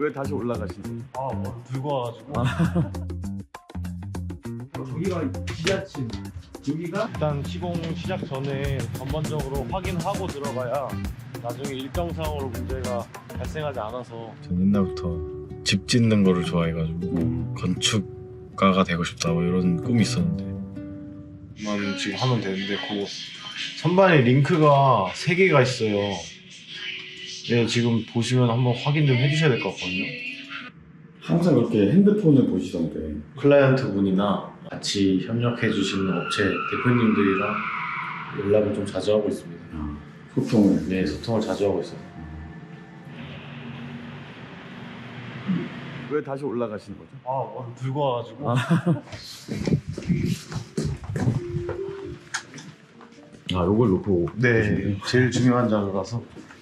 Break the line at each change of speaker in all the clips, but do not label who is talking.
왜 다시 올라가신 거예요?
뭐 들고 와가지고.
여기가 지하층. 여기가
일단 시공 시작 전에 전반적으로 확인하고 들어가야 나중에 일정상으로 문제가 발생하지 않아서.
전 옛날부터 집 짓는 거를 좋아해가지고 건축가가 되고 싶다 뭐 이런 꿈이 있었는데 만 지금 하면 되는데 그 선반에 링크가 3개가 있어요. 네, 지금 보시면 한번 확인 좀 해주셔야 될 것 같거든요.
항상 이렇게 핸드폰을 보시던데.
클라이언트 분이나 같이 협력해 주시는 업체 대표님들이랑 연락을 좀 자주 하고 있습니다.
소통을.
네, 소통을 자주 하고 있어요.
왜 다시 올라가신 거죠?
뭐 들고 와가지고.
요걸 놓고.
네, 제일 중요한 자료라서.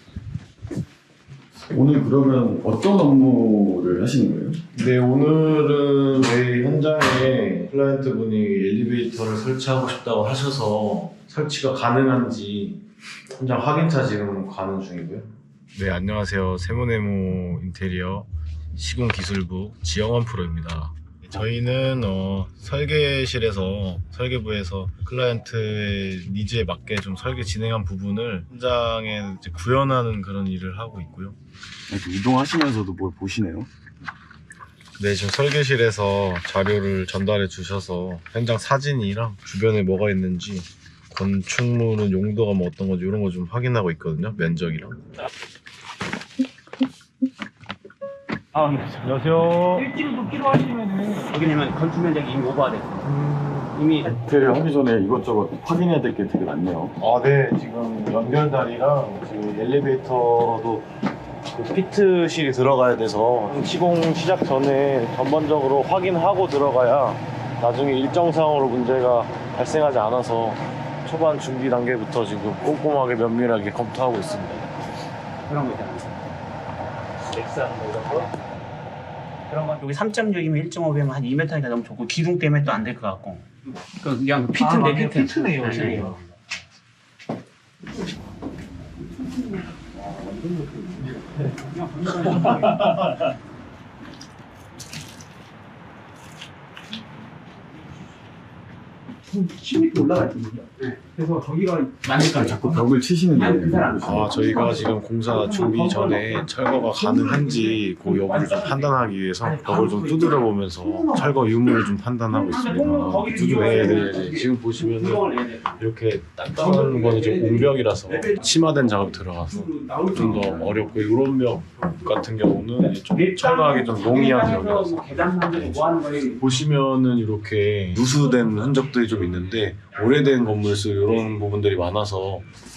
오늘 그러면 어떤 업무를 하시는 거예요?
네, 오늘은 저희 현장에 클라이언트 분이 엘리베이터를 설치하고 싶다고 하셔서 설치가 가능한지 현장 확인차 지금 가는 중이고요. 네, 안녕하세요. 세모네모 인테리어 시공기술부 지영원 프로입니다. 저희는 설계실에서 설계부에서 클라이언트의 니즈에 맞게 좀 설계 진행한 부분을 현장에 이제 구현하는 그런 일을 하고 있고요.
이동하시면서도 뭘 보시네요?
네, 지금 설계실에서 자료를 전달해 주셔서 현장 사진이랑 주변에 뭐가 있는지 건축물은 용도가 뭐 어떤 건지 이런 거 좀 확인하고 있거든요. 면적이랑.
네. 안녕하세요.
일찍도 필요하시면은 여기는 건축 면적이 이미 오버됐어요. 이미
인테리어 하기 전에 이것저것 확인해야 될 게 되게 많네요.
네, 지금 연결다리랑 지금 엘리베이터도 그 피트실이 들어가야 돼서 시공 시작 전에 전반적으로 확인하고 들어가야 나중에 일정상으로 문제가 발생하지 않아서 초반 준비 단계부터 지금 꼼꼼하게 면밀하게 검토하고 있습니다.
그런 거 있잖아요. 넥산 뭐 이런 거. 그런 거 여기 3.6이면 1.5배면 한 2m니까 너무 좋고 기둥 때문에 또 안 될 것 같고. 그냥 피트인데 피트.
피트네요, 지금.
올라갈 거거든요. 그래서 저기가 만들까
자꾸 벽을 치시는데.
저희가 지금 공사 준비 전에 철거가 가능한지 그 여부를 좀 판단하기 위해서 벽을 좀 두드려 보면서 철거 유무를 좀 판단하고 있습니다. 네. 지금 보시면은 이렇게 단단한 거는 좀 웅벽이라서 심화된 작업이 들어가서 좀 더 어렵고, 이런 벽 같은 경우는 좀 철거하기 좀 용이한 벽이라서
계단 만들고 뭐 하는 거예요?
보시면은 이렇게 누수된 흔적들이 좀 있는데 오래된 건물수 이런 부분들이 많아서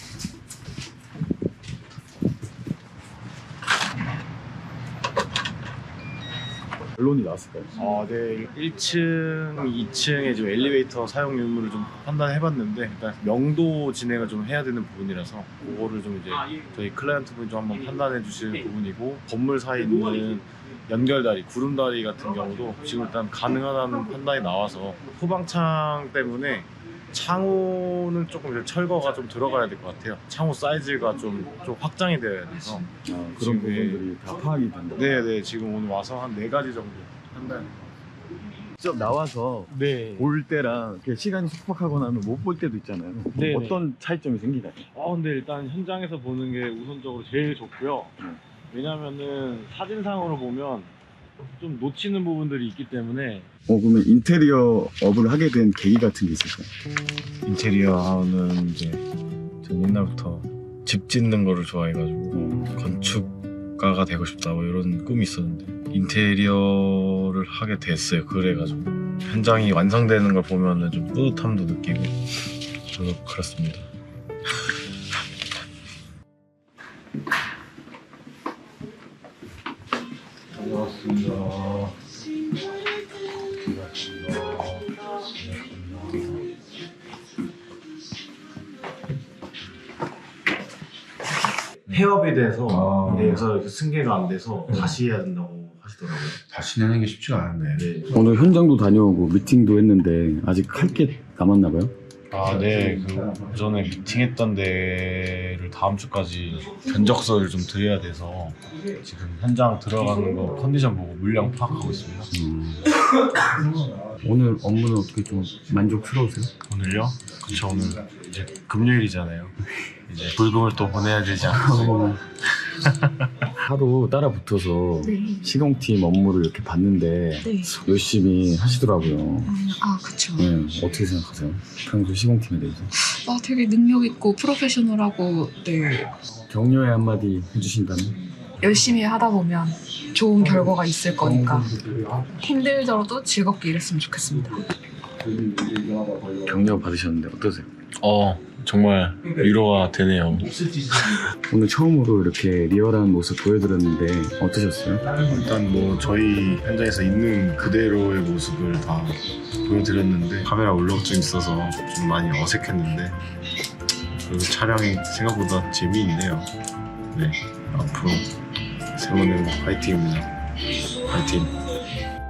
결론이 나왔을까요?
네. 1층, 2층에 지금 엘리베이터 사용 유무를 좀 판단해봤는데 일단 명도 진행을 좀 해야 되는 부분이라서 그거를 좀 이제 저희 클라이언트 분이 좀 한번 판단해 주시는 부분이고, 건물 사이에 있는 연결다리, 구름다리 같은 경우도 지금 일단 가능하다는 판단이 나와서 후방창 때문에 창호는 조금 이제 철거가 좀 들어가야 될 것 같아요. 창호 사이즈가 좀 확장이 되어야 돼서.
그런
지금,
부분들이 다 파악이 된다.
네네, 지금 오늘 와서 한 4가지 정도 판단.
직접 나와서
네.
볼 때랑 이렇게 시간이 촉박하거나 하면 못 볼 때도 있잖아요.
네네.
어떤 차이점이 생기나요?
근데 일단 현장에서 보는 게 우선적으로 제일 좋고요. 왜냐면은 사진상으로 보면 좀 놓치는 부분들이 있기 때문에.
그러면 인테리어 업을 하게 된 계기 같은 게 있을까요?
인테리어는 이제 전 옛날부터 집 짓는 거를 좋아해가지고 건축가가 되고 싶다 뭐 이런 꿈이 있었는데 인테리어를 하게 됐어요. 그래가지고 현장이 완성되는 걸 보면은 좀 뿌듯함도 느끼고 그렇습니다. 반갑습니다. 폐업이 돼서 그래서 이렇게 승계가 안 돼서 다시 해야 된다고 하시더라고요.
다시 내는 게 쉽지가 않은데.
네.
오늘 현장도 다녀오고 미팅도 했는데 아직 할 게 남았나 봐요?
아, 네. 그 오전에 미팅했던 데를 다음 주까지 견적서를 좀 드려야 돼서 지금 현장 들어가는 거 컨디션 보고 물량 파악하고 있습니다.
오늘 업무는 어떻게 좀 만족스러우세요?
오늘요? 그쵸, 오늘 이제 금요일이잖아요. 이제 불금을 또 보내야 되지 않겠어요?
하루 따라 붙어서
네.
시공팀 업무를 이렇게 봤는데
네.
열심히 하시더라고요.
아, 그쵸.
네, 어떻게 생각하세요? 평소 시공팀에 대해서?
아, 되게 능력있고 프로페셔널하고, 네.
격려의 한마디 해주신다면?
열심히 하다 보면 좋은 결과가 있을 거니까 힘들더라도 즐겁게 일했으면 좋겠습니다.
격려 받으셨는데 어떠세요?
정말 위로가 되네요.
오늘 처음으로 이렇게 리얼한 모습 보여드렸는데 어떠셨어요?
일단 뭐 저희 현장에서 있는 그대로의 모습을 다 보여드렸는데 카메라 울렁증 있어서 좀 많이 어색했는데 그리고 촬영이 생각보다 재미있네요. 네, 앞으로 세모는 화이팅입니다. 화이팅.